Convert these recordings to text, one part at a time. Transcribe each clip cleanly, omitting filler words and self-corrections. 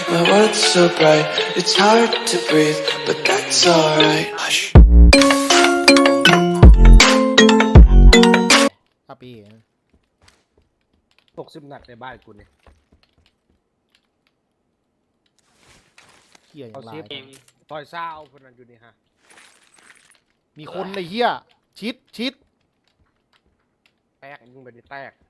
My world's so bright, it's hard to breathe, but that's alright. Hush. ครับพี่ 60 นัดในบ้านกูเนี่ยเฮียอย่างไรต่อยเศร้าคนนั้นอยู่นี่ฮะมีคนในเฮียชิดแตกยิงไปดิแตก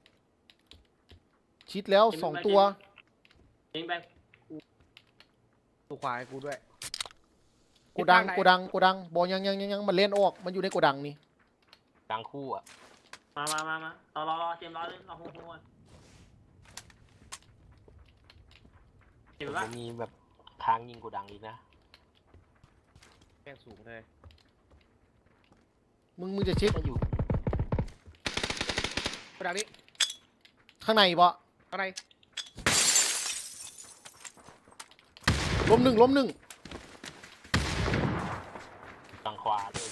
ชิดแล้ว2 ตัวยิงไปตูขวาให้กูด้วยโกดังบอลยังมันเล่นออกมันอยู่ในโกดังนี่ดังคู่อ่ะมารอเตรียมรอเลยรอโฮโฮเห็นปะมันมีแบบทางยิงกูดังอีกนะแข้งสูงเลยมึงจะชิดก็อยู่กระดังนี้ข้างในปะข้างในล้มหนึ่งทางขวาเลย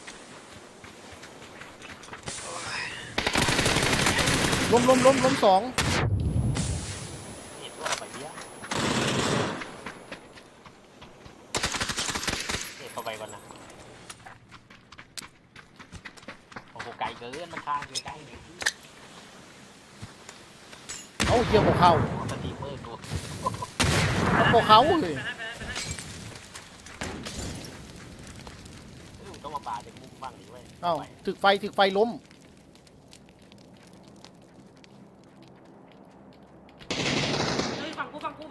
ล้ม2 เห็นว่าไปเบี้ยเข้าไปก่อนนะโอ้โหไกลเกินมันทางอยู่ใกล้อยู่ที่เอาเฮียบอกเข้าสตีเมอร์ตัวบอกเขาเลยต้องมาปาจากมุมบ้างดิเว้ยเอ้าถึกไฟล้มเฮ้ยฝั่งกู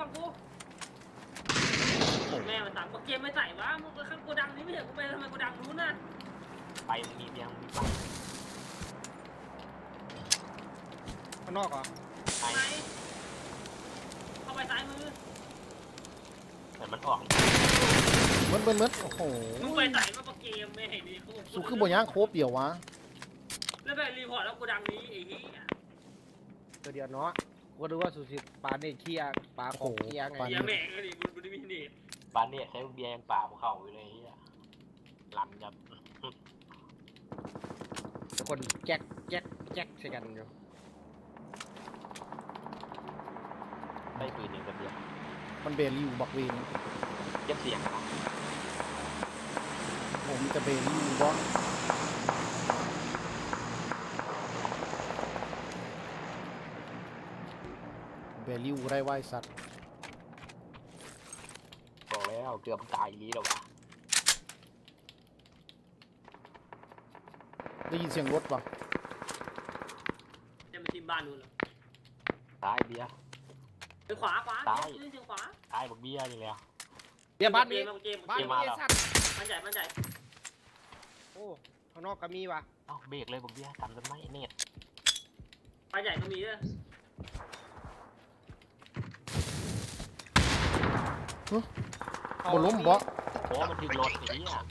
แม่มันสั่งเกมไม่ใส่วะมึงข้างโกดังนี้ไม่เห็นกูไปทำไมโกดังนู้นน่ะไปมีเบียงมีปังข้างนอกเหรอไปไหนเข้าไปซ้ายมือเหมือนมันออกเหมือนโอ้โหมึงไปใส่มาเกมไม่เห็นดีสุคือบ่ย่างโคบเดียววะแล้วไปรีพอร์ตแล้วโกดังนี้ไอ้เหี้ยตัวเดียวเนาะกูดูว่าสุสิปาเนี่ยเคียปาของเคียไงเหี้ยแม่งก็ดิมึงไม่มีเน็ตบ้านเนี่ยใช้เบียงป่าภูเขาอยู่เลยเฮียลำยับคนแจ๊กใช่กันอยู่ได้ปืนหนึ่งกับเบียงมันเบลิวบักเวนเก็บเสียงนะผมจะเบลิวบอเบลิวไรไหวสัตว์บอกแล้วเกือบตายนี้แล้ววะได้ยินเสียงรถปะจะมาทีมบ้านนู้นเหรอตายเบียร์ไปขวายืนเสียงขวาตายบอกเบียร์นี่แล้วเดี๋ยวบ้านนี้เกมบ้านนี้สัตว์มันใหญ่โอ้ข้างนอกก็มีว่ะเอ้าเบรกเลยบอกเบียร์ทำกันไหมเนี่ยปลาใหญ่ก็มีด้วยบนล้มบอโอ้มันถึงรถอย่างนี้อ่ะ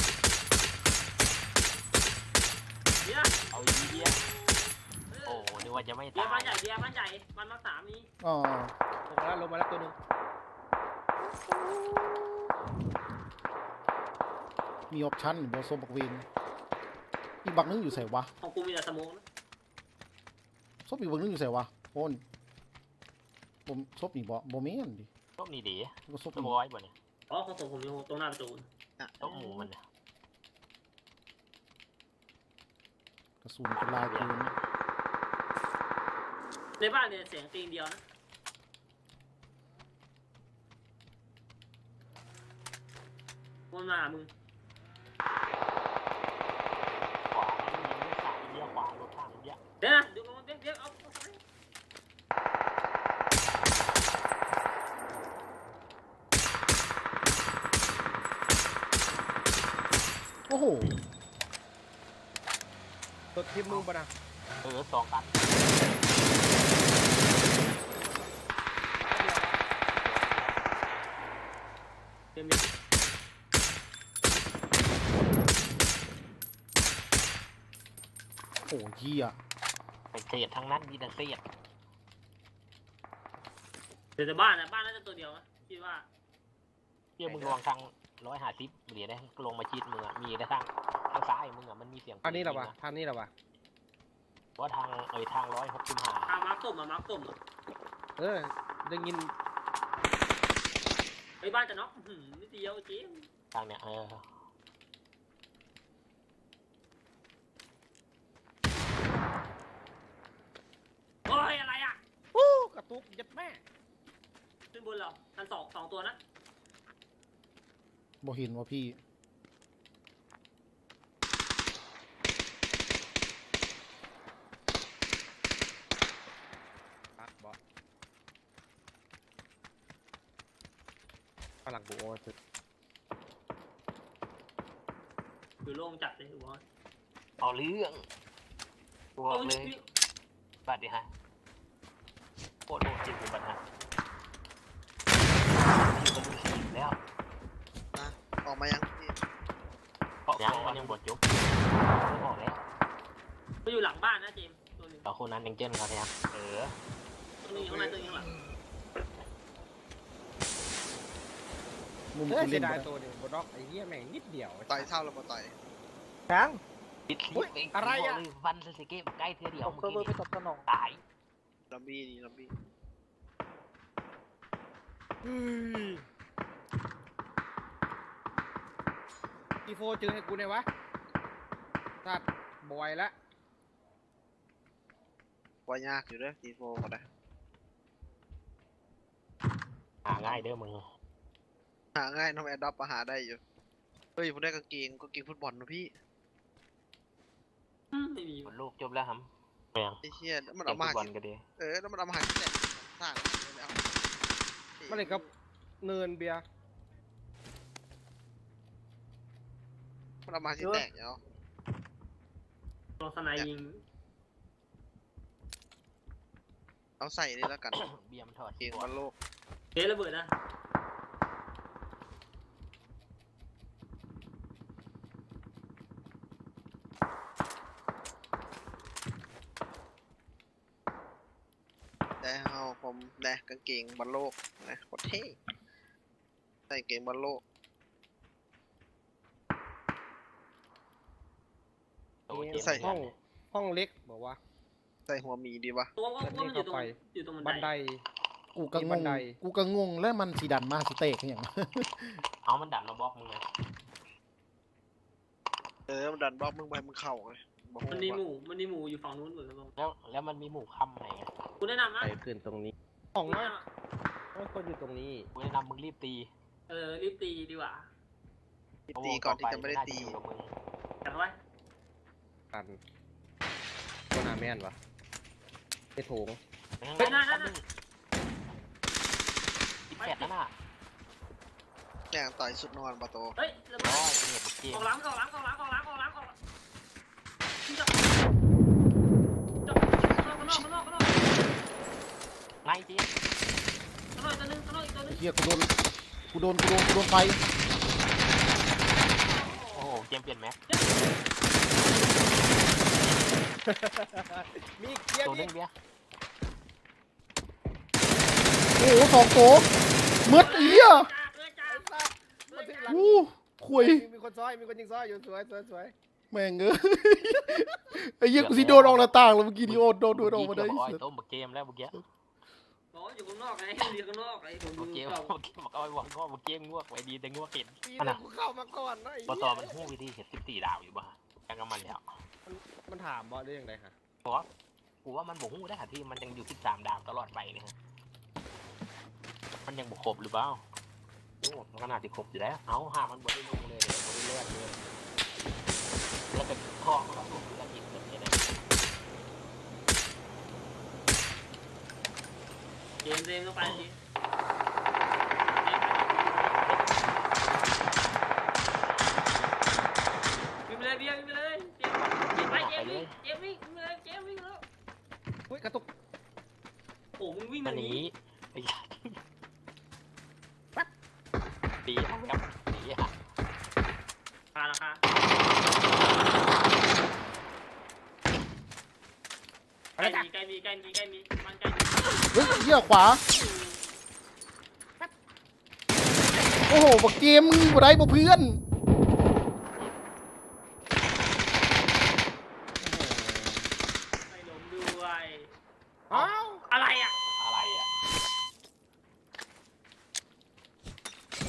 เบียร์เอาอีเบียร์โอ้นึกว่าจะไม่เบียตาร์บ้าย นใหญ่บ้านใหญ่บ้านมาสามนี้อ๋อลงมาแล้วตัวนึงมีออปชั่นบอโซบักเวนอีกบักนึงอยู่ใส่วะของกูมีแต่สมองนะซบอีกบักนึงอยู่ใส่วะโอนผมซบนี่บอแม่นดิต้มนี่ดีก็ซบต้มนี่ร้อยบ่เนี่ยอ๋อของผมอยู่ตรงหน้าประตูต้มหมูมันเนี่ยกระสุนกระลายเกินในบ้านเนี่ยเสียงตีนเดียวนะวนมามึงขวาเบียร์ขวารถข้างเบียร์เดี๋ยวนะดูมันเดี๋ยวเอาโอ้โหตัวทีมมึงปะนะสองกันเต็มโอ้เหี้ยเป็นเศษทั้งนั้นมีแต่เศษเดี๋ยวแต่บ้านนะบ้านน่าจะตัวเดียวนะคิดว่าเบียร์มึงลองทาง150เดี๋ยวได้ลงมาชิดมึงอ่ะมีได้ทางซ้ายมึงอ่ะมันมีเสียงทางนี้เหรอวะทางนี้เหรอวะว่าทางทาง165 มาร์คตุ่มอ่ะได้ยินบ้านจะน็อกนิดเดียวเจมทางเนี้ยโอ้ยอะไรอ่ะวู้กระตุกยัดแม่ขึ้นบนเหรอชั้นสองตัวนะบ่เห็นว่าพี่ปักบอสฝรั่งกูโอ้ยอยู่โล่งจัดเลยหัวเอาเรื่องตัวเลยบัดดิฮะโคตรโหดจริงคือบัดฮะอยู่บนมือสีแล้วนะออกมายังพี่เพราะมันยังบดยุบไม่บอกแล้วก็อยู่หลังบ้านนะเจมตัวนึงเราคนนั้นยังเจนเขาเนี่ยตัวนึงอยู่ข้างในตัวนึงข้างหลังมุมเฮ้ยกูเสีเล่ยนดายบ่ตัวนึงบนน็อกไอ้เหี้ยแม่งนิดเดียวต่อยเท่าแล้วมาต่อยแข็งปิดอุ๊ยอะไรอะฟันสเก็ตใกล้เธอเดียวตบตัวมือไปตบสนองตายลัมบี้นี่ลัมบี้อีโฟเจอให้กูเนี่ยวะสัตว์บอยละว่ายากอยู่เด้อทีโฟก็ได้หาง่ายเด้อมึงหาง่ายน้องแอดดับมาหาได้อยู่เฮ้ยผมได้กางเกงฟุตบอลนะพี่ไม่มีบนลูกจบแล้วครับเมียงไอ้เชี่ยแล้วมันเตะเอามาฟุตบอลหาก็ดีแล้วมันเอามาหาที่ไหนสร้างเลยเอามาเลยครับเนินเบียร์มันเอามาที่แตกเนาะลองสไนยิงเอาใส่นี่แล้วกันเบียมถอดเกงบอลโลกเทระเบิดนะแต่เอาผมแดกกางเกงบอลโลกนะโคตรเท่ใส่เกงบอลโลก ใส่ห้องเล็กบอกว่าใส่หัวหมีดีวะตัวว่ามันอยู่ตรงบันไดบันไดกูก็มีงบังนไดกูก็งงแล้วมันสีดันมาสเต็กอย่างเอามันดันมาบล็อกมึงไงมันดันบล็อกมึงไปมึงเข่าเลยบอกมันมีหมูอยู่ฝั่งนู้นเหมือนกันแล้วมันมีหมู่ค่ำไหนไงกูแนะนำนะไปขึ้นตรงนี้ห้องนะคนอยู่ตรงนี้กูแนะนำมึงรีบตีรีบตีดีกว่าตีก่อนที่จะไม่ได้ตีอยู่กับมึงจัดไว้กันตัวหนาแม่นวะไอ้โถง 18นั่นน่ะแกงต่อยสุดนอนปะโตเฮ้ยระเบิร้ดอยเนี่ยเกมออกหลังข้างนอกง่ายจริงข้างนอกตัวนึงข้างนอกอีกตัวนึงเฮียกูโดนไฟโอ้โหเกมเปลี่ยนแม็กมีเกียร์ตัวมีนึงเบี้ยโอ้โหสองโตมืดเฮียจ้ามาถึงหลังอู้คุยมีคนซ้อยมีคนยิงซ้อยอยู่สวยสวยแม่งเอ้ยไอ้เหี้ยกูสิโดนออกหน้าต่างแล้วเมื่อกี้นี่โอ้โดนออกมาได้อ้อยต้มเกมแล้วเมื่อกี้บอกอยู่ข้างนอกไงอยู่ข้างนอกไอ้ผมเมื่อกี้เก่าบอกเอาไว้วางก็เมื่อกี้งวกไว้ดีแต่งวกเห็นปีนั้นกูเข้ามาก่อนนะไอ้พอเหี้ยต่อมันหู้วิธีเห็ด14ดาวอยู่บ้ายังกับมันแล้วมันถามบอสได้ยังไงฮะเพราะกูว่ามันบ่หู้ได้หาที่มันยังอยู่13ดาวตลอดไปเนี่ยมันยังบ่ครบหรือเปล่าโอ้มันขนาดที่ครบอยู่แล้วเอาหามันบ่ได้ลงเลยบ่ได้เลือดเลยแล้วเป็นทองแล้วถูกแล้วกินแบบนี้นะเกมเซมเข้าไปสิวิ่งไปเลยเบียร์วิ่งไปเลยเจมไปเจมวิ่งเลยเจมวิ่งแล้วเฮ้ยกระตุกโอ้มึงวิ่งมัมานหหนีนีไอ้ปีครับปีอะราคาอะไรจ้ะใกล้มีมันใกล้เฮ้ยเหี้ยขวาโอ้โหบักเกมมึงบ่ได้บ่เพื่อนไม่ล้มด้วยอ้าวอะไรอ่ะอะไรอ่ะ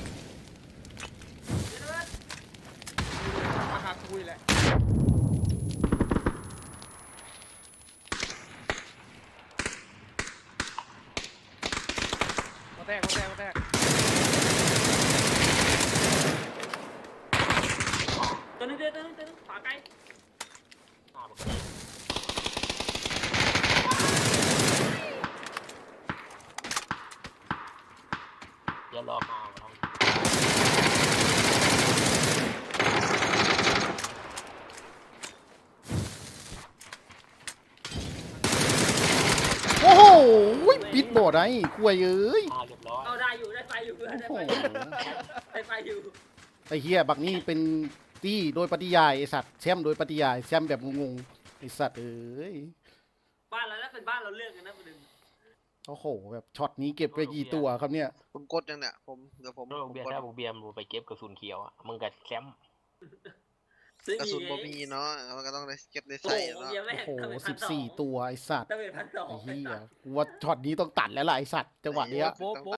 แตกตัวนึงขวาไกลหน้ามันก็ได้เดี๋ยวรอมาลองโอ้โหปิดบ่ได้กล้วยเอ้ยเรียบร้อยเอาได้อยู่ได้ไปอยู่เพื่อนได้โอ้ไปโหอยู่ได้ไปอยู่ไอ้เฮียบักนี้เป็นตี้โดยปฏิยายไอ้สัตว์แชมป์โดยปฏิยายแชมป์แบบงงๆไอ้สัตว์เอ้ยบ้านเราแล้วเป็นบ้านเราเลือกกันนะประเด็นโอ้โหแบบช็อตนี้เก็บไปกี่ตัวครับเนี่ยคุณกดยังเนี่ยเดี๋ยวผมโรคเบียร์กดถ้าบุเบียร์มึงไปเก็บกระสุนเขียวอ่ะมึงกับแชมป์ซื้อกระสุนไงบ่มีเนาะมันก็ต้องได้เก็บได้โอ้ใส่โหเนาะเบียร์แม่งโอ้โหทำไม 14 ตัวไอ้สัตว์ทำไม1,200 ไอ้เฮียกูว่าช็อตนี้ต้องตัดแล้วล่ะไอ้สัตว์จังหวะเนี้ยโป๊ะ